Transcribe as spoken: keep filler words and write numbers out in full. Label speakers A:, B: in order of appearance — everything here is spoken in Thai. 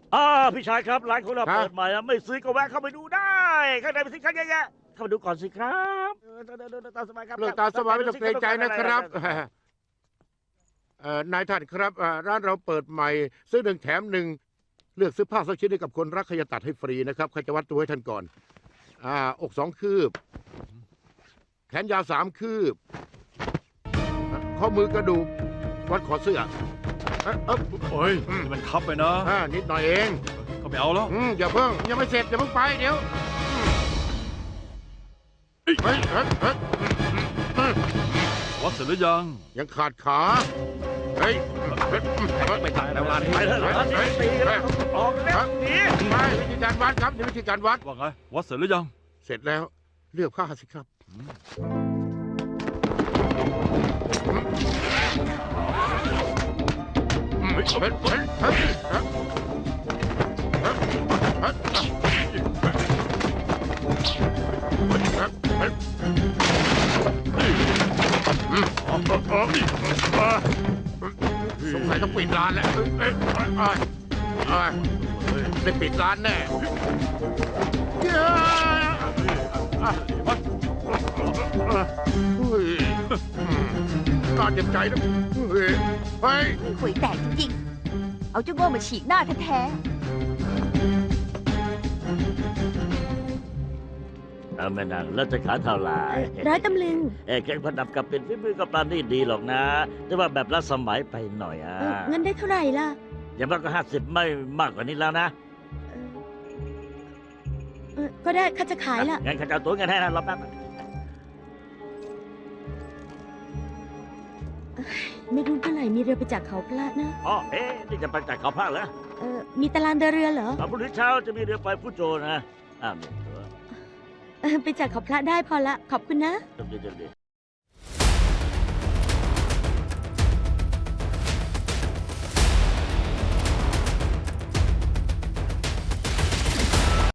A: อ่าพี่ชายครับร้านของเรา
B: ฮะ
A: เปิดใหม่อะไม่ซื้อก็แวะเข้าไปดูได้ข้างในมีสินค้าเยอะแยะเข้าไปดูก่อนสิครับเออเดินเดินเดินตามสบายครับ
B: เลือกตามสบายไม่ต้องเกรงใจนะครับเอ่อนายท่านครับอ่าร้านเราเปิดใหม่ซื้อหนึ่งแถมหนึ่งเลือกซื้อผ้าสักชิ้นให้กับคนรักใครจะตัดให้ฟรีนะครับใครจะวัดตัวให้ท่านก่อนอ่าอกสองคืบแขนยาวสามคืบข้อมือกระดูกวัดขอเสื้อเอ๊ะเอ๊ะ
C: โอ้ยนี่มันคับไปนะ
B: อ่านิดหน่อยเอง
C: ก็ไม่เอาแล้ว
B: อืมอย่าเพิ่งยังไม่เสร็จอย่าเพิ่งไปเดี๋ยวเฮ้ยเฮ้ยเฮ้ยเฮ้ยอืม
C: วัดเสร็จหรือยัง
B: ยังขาดขาเฮ้ยเฮ้ยเฮ้ย
C: ไปตายแล้วร้านนี้
A: ไปเถอะร้านนี้ตีกันแล้วออกแล้วหนี
B: ไม่วิธีการวัดครับนี่วิธีการวัด
C: ว่าไงวัดเสร็จหรือยัง
B: เสร็จแล้วเลือกผ้าสิครับเฮ้ยเฮ้ยเฮ้ยเฮ้ยเฮ้ยเฮ้ยเฮ้ยเฮ้ยอืมอ๋ออ๋ออ๋อสงสัยต้องปิดร้านแล้วเอ้ยเอ้ยเอ้ยเอ้ยเอ้ยได้ปิดร้านแน่เฮ้ยน่าเจ็บใจนะเฮ้ยเฮ้ย
D: หวยแตกจริงๆ เอาเจ้าโง่มาฉีกหน้าแท้
A: เอาแม่นางแล้วจะขายเท่าไหร่
D: ๆร้อยตำลึง
A: เอ้แกงผัดดับกับเป็นฝีมือกับปลานี่ดีหรอกนะ แต่ว่าแบบละสมัยไปหน่อยอ่ะ
D: เออเงินได้เท่าไหร่ล่ะ
A: อย่างมากก็ห้าสิบไม่มากกว่านี้แล้วนะ
D: เออก็ได้ข้าจะขายละ
A: งั้นข้าจะเอาตัวเงินให้นะรอแป๊บ
D: ไม่รู้เมื่อไหร่มีเรือไปจากเขาพระนะ
A: อ๋อเอ๊ะนี่จะไปจากเขาพากเหรอ
D: เออมีตารางเดินเรือเหรอ
A: เอาพรุ่งนี้เช้าจะมีเรือไฟฟูโจนะอ้าวนี่ตัว
D: เออไปจากเขาพระได้พอละ ขอบคุณนะ
A: จำดีจำดี